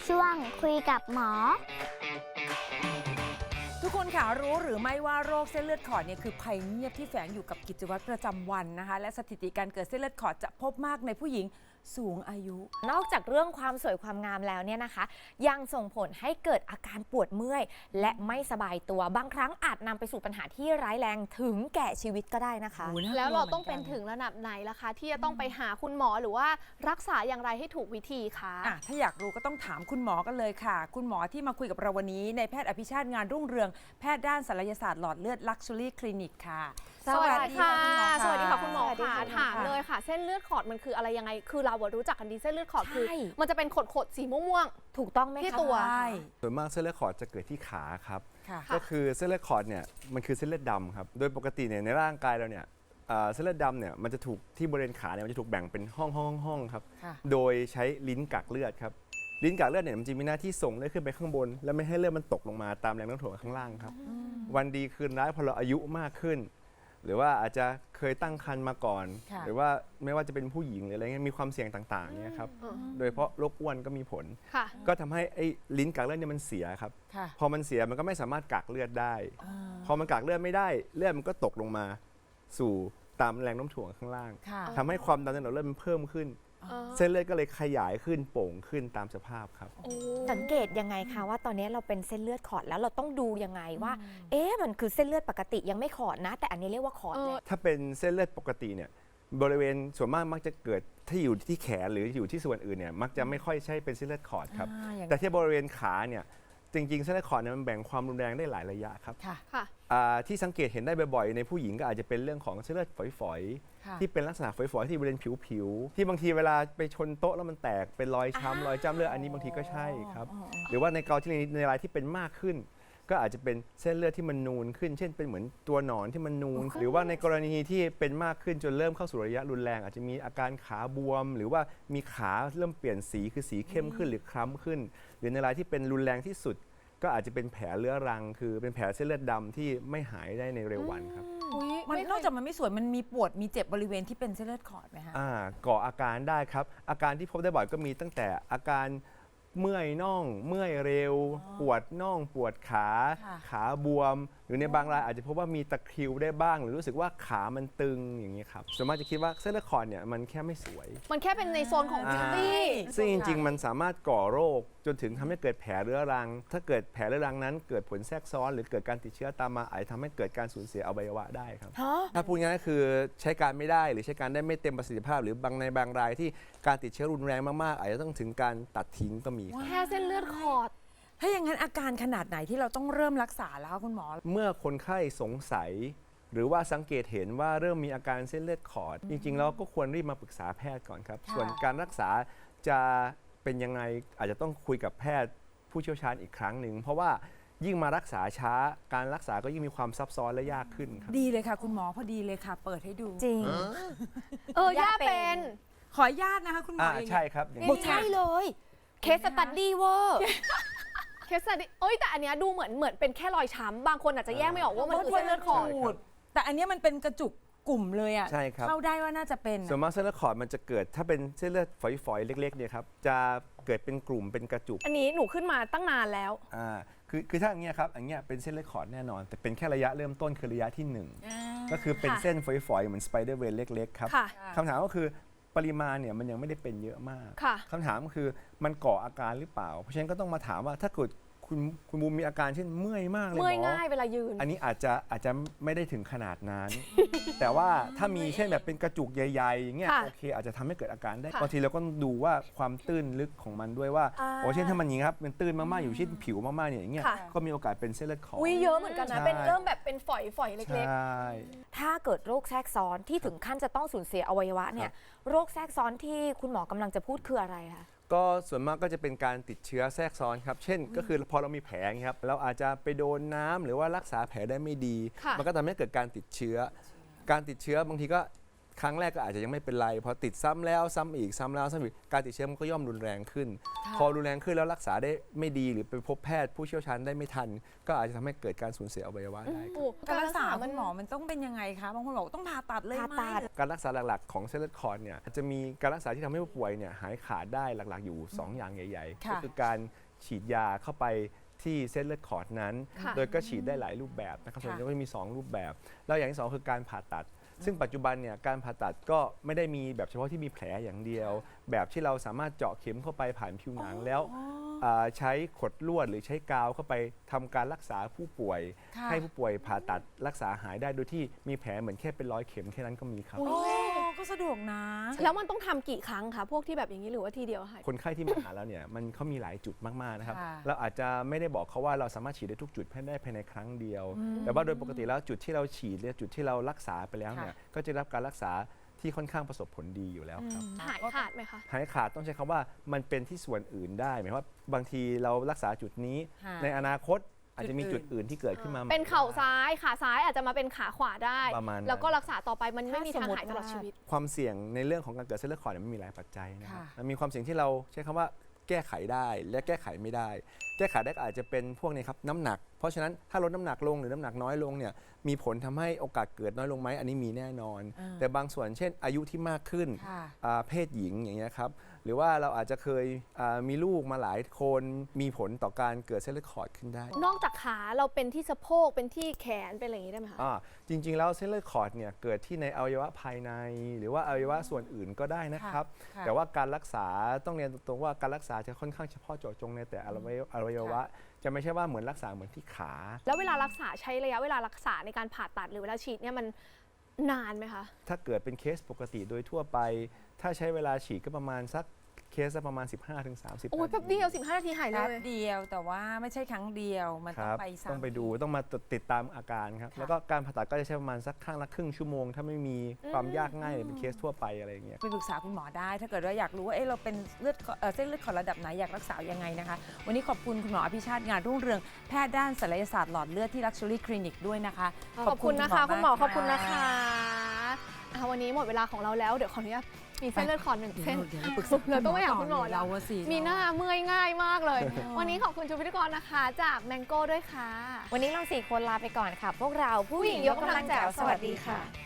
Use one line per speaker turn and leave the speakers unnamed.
ช่วงคุยกับหมอ
ทุกคนค่ะรู้หรือไม่ว่าโรคเส้นเลือดขอดเนี่ยคือภัยเงียบที่แฝงอยู่กับกิจวัตรประจำวันนะคะและสถิติการเกิดเส้นเลือดขอดจะพบมากในผู้หญิงสูงอายุ
นอกจากเรื่องความสวยความงามแล้วเนี่ยนะคะยังส่งผลให้เกิดอาการปวดเมื่อยและไม่สบายตัวบางครั้งอาจนำไปสู่ปัญหาที่ร้ายแรงถึงแก่ชีวิตก็ได้นะคะ
แล้วเราต้องเป็นถึงระดับไหนล่ะคะที่จะต้องไปหาคุณหมอหรือว่ารักษาอย่างไรให้ถูกวิธีคะ
ถ้าอยากรู้ก็ต้องถามคุณหมอกันเลยค่ะ คุณหมอที่มาคุยกับเราวันนี้ในแพทย์อภิชาติงานรุ่งเรืองแพทย์ด้านศัลยศาสตร์หลอดเลือด Luxury Clinic ค่ะ
สวัสดีค่ะ
สวัสดีค่ะ
คุณหมอค่ะถามเลยค่ะ เส้นเลือดขอดมันคืออะไรยังไงคือเรารู้จักกันดีเส้นเลือดขอดคือ
ใช่
มันจะเป็นขดๆสีม่วง
ถูกต้องไหม
ที่
คะ
ตัว
ใช่
ส่วนมากเส้นเลือดขอดจะเกิดที่ขาครับ
ค่ะ
ก็คือเส้นเลือดขอดเนี่ยมันคือเส้นเลือดดำครับโดยปกติเนี่ยในร่างกายเราเนี่ยเส้นเลือดดำเนี่ยมันจะถูกที่บริเวณขาเนี่ยมันจะถูกแบ่งเป็นห้องครับ
ค่ะ
โดยใช้ลิ้นกักเลือดครับลิ้นกักเลือดเนี่ยมันจะมีหน้าที่ส่งเลือดขึ้นไปข้างบน และไม่ให้เลือดมันตกลงมาตามแรงโน้มถ่วงข้างล่างครับวันดีคืนร้ายพอเราอายุมากขึ้น หรือว่าอาจจะเคยตั้งครรภ์มาก่อน
ค่ะ
หรือว่าไม่ว่าจะเป็นผู้หญิงหรืออะไรเงี้ยมีความเสี่ยงต่างๆเนี่ยครับโดยเฉพาะโรคอ้วนก็มีผล
ค่ะ
ก็ทำให้ไอ้ลิ้นกักเลือดเนี่ยมันเสียครับ
ค่ะ
พอมันเสียมันก็ไม่สามารถกักเลือดได้ พอมันกักเลือดไม่ได้เลือดมันก็ตกลงมาสู่ตามแรงโน้มถ่วงข้างล่าง
ค่ะ
ทำให้ความดันในหลอดเลือดมันเพิ่มขึ้น เส้นเลือดก็เลยขยายขึ้นโป่งขึ้นตามสภาพครับ
สังเกตยังไงคะว่าตอนนี้เราเป็นเส้นเลือดขอดแล้วเราต้องดูยังไงว่า มันคือเส้นเลือดปกติยังไม่ขอดนะ แต่อันนี้เรียกว่าขอดแล้ว
ถ้าเป็นเส้นเลือดปกติเนี่ยบริเวณส่วนมากมักจะเกิดถ้าอยู่ที่แขนหรืออยู่ที่ส่วนอื่นเนี่ยมักจะไม่ค่อยใช่เป็นเส้นเลือดขอดครับ
อย่าง
แต่ที่บริเวณขาเนี่ยจริงๆเส้นเลือดขอดเนี่ยมันแบ่งความรุนแรงได้หลายระยะครับ
ค่ะ
ค่ะ
ที่สังเกตเห็นได้บ่อยๆในผู้หญิงก็อาจจะเป็นเรื่องของเส้นเลือดฝอย
ค่ะ
ๆที่เป็นลักษณะฝอยๆที่บริเวณผิวๆที่บางทีเวลาไปชนโต๊ะแล้วมันแตกเป็นรอยช้ำรอยจ้ำเลือดอันนี้บางทีก็ใช่ครับหรือว่าในกรณีในรายที่เป็นมากขึ้น ก็อาจจะเป็นเส้นเลือดที่มันนูนขึ้น เช่นเป็นเหมือนตัวหนอนที่มันนูน หรือว่าในกรณีที่เป็นมากขึ้นจนเริ่มเข้าสู่ระยะรุนแรง อาจจะมีอาการขาบวม หรือว่ามีขาเริ่มเปลี่ยนสีคือสีเข้มขึ้นหรือคล้ำขึ้น หรือในรายที่เป็นรุนแรงที่สุด ก็อาจจะเป็นแผลเรื้อรัง คือเป็นแผลเส้นเลือดดำที่ไม่หายได้ในเร็ววันครับ
มันนอกจากมันไม่สวยมันมีปวดมีเจ็บบริเวณที่เป็นเส้นเลือดขอดไหมคะ
ก่ออาการได้ครับ อาการที่พบได้บ่อยก็มีตั้งแต่อาการเมื่อยน่อง เมื่อยเร็ว ปวดน่องปวดขา
ค่ะ
ขาบวม หรือในบางรายอาจจะพบว่ามีตะคริวได้บ้าง หรือรู้สึกว่าขามันตึงอย่างนี้ครับส่วนมากจะคิดว่าเส้นเลือดขอดเนี่ยมันแค่ไม่สวย
มันแค่เป็นในโซนของบิวตี้
ซึ่งจริงๆ มันสามารถก่อโรคจนถึงทำให้เกิดแผลเรื้อรัง ถ้าเกิดแผลเรื้อรังนั้นเกิดผลแทรกซ้อนหรือเกิดการติดเชื้อตามมาอาจจะทำให้เกิดการสูญเสียอวัยวะได้ครับ ถ้าพูดง่ายๆก็คือใช้การไม่ได้หรือใช้การได้ไม่เต็มประสิทธิภาพ หรือบางรายที่การติดเชื้อรุนแรงมากๆ อาจจะต้องถึงการตัดทิ้งก็มีครับ
แค่เส้นเลือดขอด
ถ้าอย่างนั้นอาการขนาดไหนที่เราต้องเริ่มรักษาแล้วคะคุณหมอ
เมื่อคนไข้สงสัย หรือว่าสังเกตเห็นว่าเริ่มมีอาการเส้นเลือดขอด จริงๆแล้วก็ควรรีบมาปรึกษาแพทย์ก่อนครับ
ค่ะ
ส่วนการรักษาจะเป็นยังไงอาจจะต้องคุยกับแพทย์ผู้เชี่ยวชาญอีกครั้งหนึ่งเพราะว่ายิ่งมารักษาช้าการรักษาก็ยิ่งมีความซับซ้อนและยากขึ้นครับ
ดีเลยค่ะคุณหมอพอดีเลยค่ะ เปิดให้ดู
จริง
ย่าเป็น
ขออนุญาตนะคะคุณหมออย่างนี้
ใช่ครับอย่าง
บอ
นี้
กใช่เลยเคสสตัดดี้เวอร์
เคสดิแต่อันเนี้ยดูเหมือนเป็นแค่รอยช้ำบางคนอาจจะแยกไม่ออกว่ามันคือเส้นเลือดขอด
ขูดแต่อันเนี้ยมันเป็นกระจุกกลุ่มเลยอ่ะ
ใช่ครับ
เข้าได้ว่าน่าจะเป็น
ส่วนมากเส้นเลือดขอดมันจะเกิดถ้าเป็นเส้นเลือดฝอยๆ เล็กๆเนี่ยครับจะเกิดเป็นกลุ่มเป็นกระจุก
อันนี้หนูขึ้นมาตั้งนานแล้ว
คือถ้าอย่างเงี้ยครับอย่างเงี้ยเป็นเส้นเลือดขอดแน่นอน แต่เป็นแค่ระยะเริ่มต้นคือระยะที่ 1 ก็คือเป็นเส้นฝอยๆเหมือนสไปเดอร์เวย์เล็กๆครับ
ค่ะ
คำถามก็คือปริมาณเนี่ยมันยังไม่ได้เป็นเยอะมาก
ค่ะ
คำถามก็คือมันก่ออาการหรือเปล่า เพราะฉะนั้นก็ต้องมาถามว่าถ้าเกิดคุณบูมมีอาการเช่นเมื่อยมากเลยหม
เมื่อย
อ
ง่ายเวลายืน
อันนี้อาจจะไม่ได้ถึงขนาดนั้น แต่ว่าถ้ามีเช่นแบบเป็นกระจุกใหญ่ๆอย่างเงี้ย
ค่ะ
โอเคอาจจะทำให้เกิดอาการได้
ค่ะ
บางทีเราก็ดูว่าความตื้นลึกของมันด้วยว่าโอ้เช่นถ้ามันอย่างนี้ครับมันตื้นมากๆอยู่เช่นผิวมากๆเนี่ยอย่างเงี้ย
ค่ะ
ก็มีโอกาสเป็นเส้นเลือดขอด
อุ้ยเยอะเหมือนกันนะ
ใช่
เป็นเริ่มแบบเป็นฝอยๆเล็ก
ใช่
ถ้าเกิดโรคแทรกซ้อนที่ถึงขั้นจะต้องสูญเสียอวัยวะเนี่ยโรคแทรกซ้อนที่คุณหมอกำลังจะพูดคืออะไรคะ
ก็ส่วนมากก็จะเป็นการติดเชื้อแทรกซ้อนครับ เช่น ก็คือพอเรามีแผลอย่างเงี้ยครับเราอาจจะไปโดนน้ำหรือว่ารักษาแผลได้ไม่ดี
ค่ะ
มันก็ทำให้เกิดการติดเชื้อ การติดเชื้อบางทีก็ครั้งแรกก็อาจจะยังไม่เป็นไรพอติดซ้ำแล้วซ้ำอีกซ้ำแล้วซ้ำอีกการติดเชื้อมันก็ย่อมรุนแรงขึ้น พอรุนแรงขึ้นแล้วรักษาได้ไม่ดีหรือไปพบแพทย์ผู้เชี่ยวชาญได้ไม่ทัน ก็อาจจะทำให้เกิดการสูญเสียอวัยวะได้
โอ้
การรักษาคุณหมอมันต้องเป็นยังไงคะบางคนบอกต้องผ่าตัดเลยไหม
ผ่าตัด
การรักษาหลักๆของเส้นเลือดขอดเนี่ยจะมีการรักษาที่ทำให้ผู้ป่วยเนี่ยหายขาดได้หลักๆอยู่ 2 อย่างใหญ่ๆ
ค่ะ
ก็คือการฉีดยาเข้าไปที่เส้นเลือดขอดนั้น
ค่ะ
โดยก็ฉีดได้หลายรูปแบบนะครับส่วนใหญ่ก็จะมี 2 รูปแบบ แล้วอย่างที่ 2 คือการผ่าตัด ซึ่งปัจจุบันเนี่ยการผ่าตัดก็ไม่ได้มีแบบเฉพาะที่มีแผลอย่างเดียว แบบที่เราสามารถเจาะเข็มเข้าไปผ่านผิวหนังแล้วใช้ขดลวดหรือใช้กาวเข้าไปทำการรักษาผู้ป่วย
ค่ะ
ให้ผู้ป่วยผ่าตัดรักษาหายได้โดยที่มีแผลเหมือนแค่เป็นร้อยเข็มแค่นั้นก็มีครับ
โอ้ก็สะดวกนะ
แล้วมันต้องทำกี่ครั้งคะพวกที่แบบอย่างนี้หรือว่าทีเดียวหาย
คนไข้ที่มาหาเราเนี่ยมันเขามีหลายจุดมากๆนะครับ
ค่ะ
เราอาจจะไม่ได้บอกเขาว่าเราสามารถฉีดได้ทุกจุดได้ภายในครั้งเดียว แต่ว่าโดยปกติแล้วจุดที่เราฉีดหรือจุดที่เรารักษาไปแล้วเนี่ยก็จะได้รับการรักษาที่ค่อนข้างประสบผลดีอยู่แล้วครับ
หายขาดไหมคะ
หายขาดต้องใช้คำว่ามันเป็นที่ส่วนอื่นได้หมายความว่าบางทีเรารักษาจุดนี้
ค่ะ
ในอนาคตอาจจะมีจุดอื่นที่เกิดขึ้นมาใหม่
เป็นเข่าซ้ายขาซ้ายอาจจะมาเป็นขาขวาได้
ประมาณนั้น
แล้วก็รักษาต่อไปมันไม่มีทาง
ถ้าสมมุติ
หายตลอดชีวิต
ความเสี่ยงในเรื่องของการเกิดเส้นเลือดขอดเนี่ยมันมีหลายปัจจัยนะครับ
ค่ะ
มันมีความเสี่ยงที่เราใช้คำว่าแก้ไขได้และแก้ไขไม่ได้ แก้ไขได้ก็อาจจะเป็นพวกนี้ครับน้ำหนัก เพราะฉะนั้นถ้าลดน้ำหนักลงหรือน้ำหนักน้อยลงเนี่ยมีผลทำให้โอกาสเกิดน้อยลงไหมอันนี้มีแน่นอน แต่บางส่วนเช่นอายุที่มากขึ้น
ค่ะ
เพศหญิงอย่างเงี้ยครับหรือว่าเราอาจจะเคยมีลูกมาหลายคนมีผลต่อการเกิดเส้นเลือดขอดขึ้นได้
นอกจากขาเราเป็นที่สะโพกเป็นที่แขนเป็นอะไรอย่างนี้ได้ไหมคะ
จริงๆแล้วเส้นเลือดขอดเนี่ยเกิดที่ในอวัยวะภายใน หรือว่าอวัยวะส่วนอื่นก็ได้นะครับ
ค่ะ
แต่ว่าการรักษาต้องเรียนตรงๆว่าการรักษาจะค่อนข้างเฉพาะเจาะจงในแต่อวัยวะ จะไม่ใช่ว่าเหมือนรักษาเหมือนที่ขา
แล้วเวลารักษาใช้ระยะเวลารักษาในการผ่าตัดหรือเวลาฉีดเนี่ยมันนานไหมคะ
ถ้าเกิดเป็นเคสปกติโดยทั่วไป ถ้าใช้เวลาฉีดก็ประมาณสักเคสละประมาณ 15-30
โอ้ยแป๊บเดียว15 นาทีหายเล
แป๊บ
ย
เดียวแต่ว่าไม่ใช่ครั้งเดียวมัน
ค
ต้อง
รับ
ไปซ้ำ
ต้องไปดูต้องมาติดตามอาการครับ
ค่ะ
แล้วก็การผ่าตัดก็จะใช้ประมาณสักข้างละครึ่งชั่วโมง ถ้าไม่มีความยากง่ายเป็นเคสทั่วไปอะไรอย่างเงี้ย
ไปปรึกษาคุณหมอได้ ถ้าเกิดว่าอยากรู้ว่าเอ๊ะเราเป็นเส้นเลือดขอดระดับไหนอยากรักษายังไงนะคะ วันนี้ขอบคุณคุณหมออภิชาติงานรุ่งเรืองแพทย์ด้านศัลยศาสตร์หลอดเลือดที่ Luxury Clinic ด้วยนะคะ
ขอบคุณนะคะคุณหมอ
มาก
ขอบคุณนะคะวันนี้หมดเวลาของเราแล้วเดี๋ยวขออนุญาตมีเส้นเลือดขอดหนึ่งเส้น
เดี๋ยวเราปรึกษา
เราต้องไปหาคุณหมอ
เราอะสิ
มีหน้าเมื่อยง่ายมากเลย วันนี้ขอบคุณชุดพิธีกรนะคะจากแมงโก้ด้วยค่ะ
วันนี้เรา4 คนลาไปก่อนค่ะ พวกเราผู้หญิงยกกำลังแจ๋วสวัสดีค่ะ